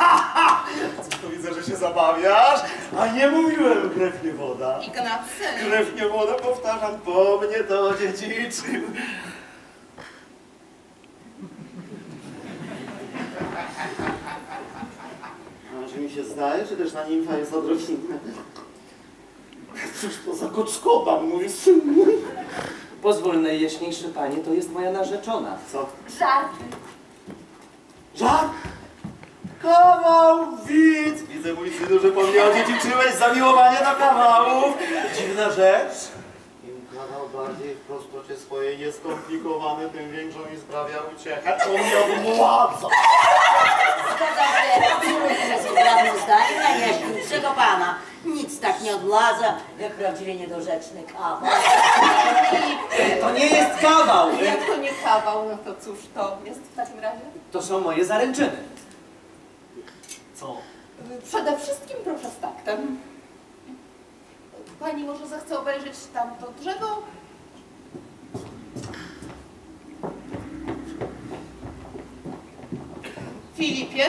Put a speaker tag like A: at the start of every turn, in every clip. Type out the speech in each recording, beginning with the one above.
A: Cóż, to widzę, że się zabawiasz, a nie mówiłem, krew nie woda.
B: Ignacy.
A: Krew nie woda, powtarzam, po mnie to dziedziczył. A czy mi się zdaje, czy też na nimfa jest odrobinę? Cóż to za koczkoba, mój syn.
C: Pozwól, najjaśniejszy panie, to jest moja narzeczona.
A: Co?
B: Żart.
A: Żart? Kawał, widz! Widzę, mój synu, że po mnie odziedziczyłeś zamiłowanie do kawałów. Dziwna rzecz. Im kawał bardziej w prostocie swojej jest skomplikowany, tym większą mi sprawia uciechę. To mnie odmładza.
D: Zgadzam się absolutnie z poprawnym zdaniem najjaśniejszego pana. Nic tak nie odmładza, jak prawdziwie niedorzeczny kawał.
C: To nie jest kawał!
B: Jak to nie kawał, no to cóż to jest w takim razie?
C: To są moje zaręczyny.
A: Co?
B: Przede wszystkim proszę z taktem. Pani może zechce obejrzeć tamto drzewo? Filipie?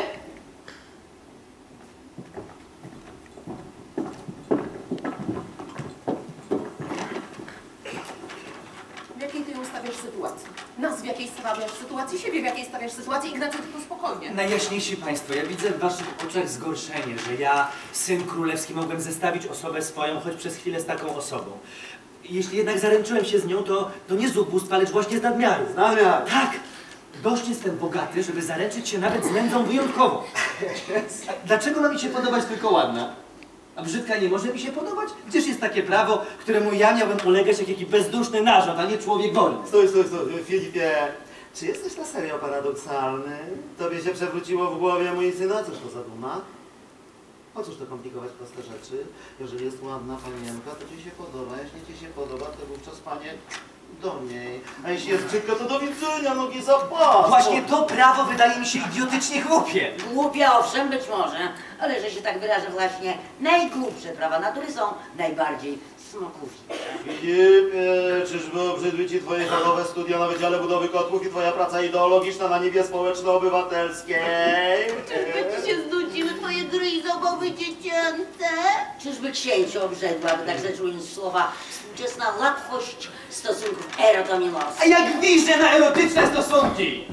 B: W jakiej ty ją stawiasz sytuacji? Nas w jakiej stawiasz sytuacji, siebie w jakiej stawiasz sytuacji, Ignacy, tylko spokojnie.
C: Najjaśniejsi państwo, ja widzę w waszych oczach zgorszenie, że ja, syn królewski, mogłem zestawić osobę swoją, choć przez chwilę z taką osobą. Jeśli jednak zaręczyłem się z nią, to nie z ubóstwa, lecz właśnie z nadmiaru.
A: Z nadmiaru.
C: Tak! Dość jestem bogaty, żeby zaręczyć się nawet z nędzą wyjątkową. Dlaczego ma mi się podobać tylko ładna? A brzydka nie może mi się podobać? Gdzież jest takie prawo, któremu ja miałbym ulegać jak jakiś bezduszny narząd, a nie człowiek wolny?
A: Stój, Filipie. Czy jesteś na serio paradoksalny? Tobie się przewróciło w głowie, mój synu, a cóż to za duma? Po cóż to komplikować proste rzeczy? Jeżeli jest ładna panienka, to ci się podoba. Jeśli ci się podoba, to wówczas, panie, do niej. A jeśli jest brzydka, to do widzenia, nogi za pas.
C: Właśnie to prawo wydaje mi się idiotycznie głupie.
D: Głupia owszem, być może, ale że się tak wyrażę właśnie, najgłupsze prawa natury są najbardziej smakowite.
A: Filipie, czyżby obrzydły ci twoje fachowe studia na Wydziale Budowy Kotłów i twoja praca ideologiczna na niebie społeczno-obywatelskiej?
B: Czyżby ci się znudziły twoje gry i zabawy dziecięce?
D: Czyżby księciu obrzydła, by tak rzecz ująć słowa, współczesna łatwość stosunków erotomilowskich?
C: A jak widzę na erotyczne stosunki!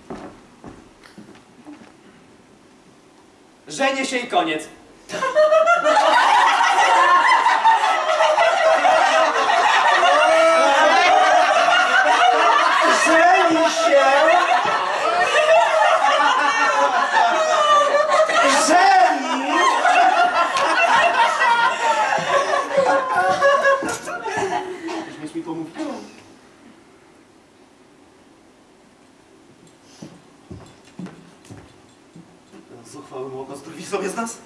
C: Żenię się i koniec.
A: Żeni się! Żeni! Weźmiesz mi pomówkę? Zuchwały młoko, drwi sobie z nas?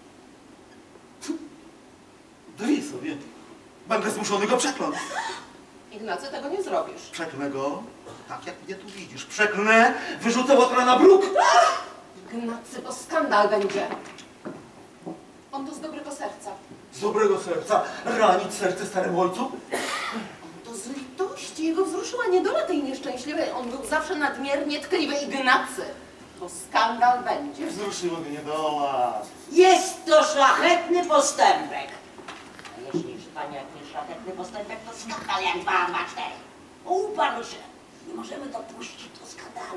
A: Drwi sobie. Będę zmuszony go przekląć.
B: Ignacy, tego nie zrobisz.
A: Przeklnę go, tak jak mnie tu widzisz. Przeklnę, wyrzucę łotra na bruk.
B: Ignacy, to skandal będzie. On to z dobrego serca.
A: Z dobrego serca ranić serce staremu ojcu?
B: To z litości jego wzruszyła niedola tej nieszczęśliwej. On był zawsze nadmiernie tkliwy. Ignacy, to skandal będzie.
A: Wzruszyło mnie niedoła.
D: Jest to szlachetny postępek. A jeśli przy pani jak nie szlachetny postępek, to skandal jak 2, 2, 4. Uparł się. Nie możemy dopuścić do skandalu.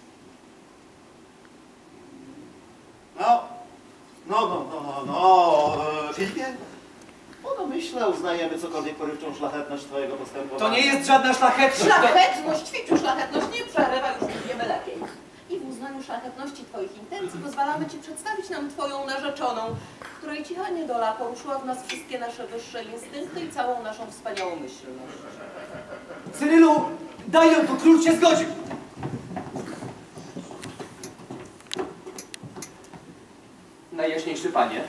A: Filipie? No myślę, uznajemy cokolwiek porywczą szlachetność twojego postępowania.
C: To nie jest żadna szlachetność.
B: Szlachetność, ćwiczu szlachetność, nie przerywa, już wiemy lepiej. I w uznaniu szlachetności twoich intencji pozwalamy ci przedstawić nam twoją narzeczoną, której cicha niedola poruszyła w nas wszystkie nasze wyższe instynkty i całą naszą wspaniałą myślność.
C: Cyrylu, daj ją tu, król się zgodził. Najjaśniejszy panie.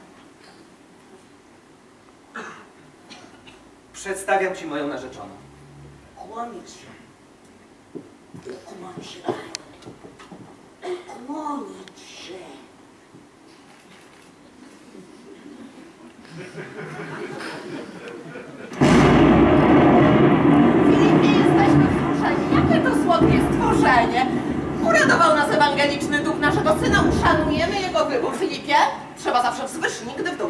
C: Przedstawiam ci moją narzeczoną.
D: Kłonić się. Ukłonić się. Ukłonić się.
B: Filipie, jesteśmy wzruszeni. Jakie to słodkie stworzenie! Uradował nas ewangeliczny duch naszego syna, Szanujemy jego wybór. Filipie, trzeba zawsze wzwyż, nigdy w dół.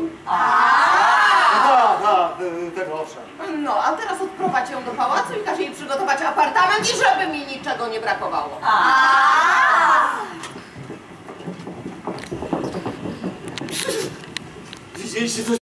A: Tego owszem.
B: No, a teraz odprowadź ją do pałacu i każ jej przygotować apartament i żeby mi niczego nie brakowało.
A: Widzieliście coś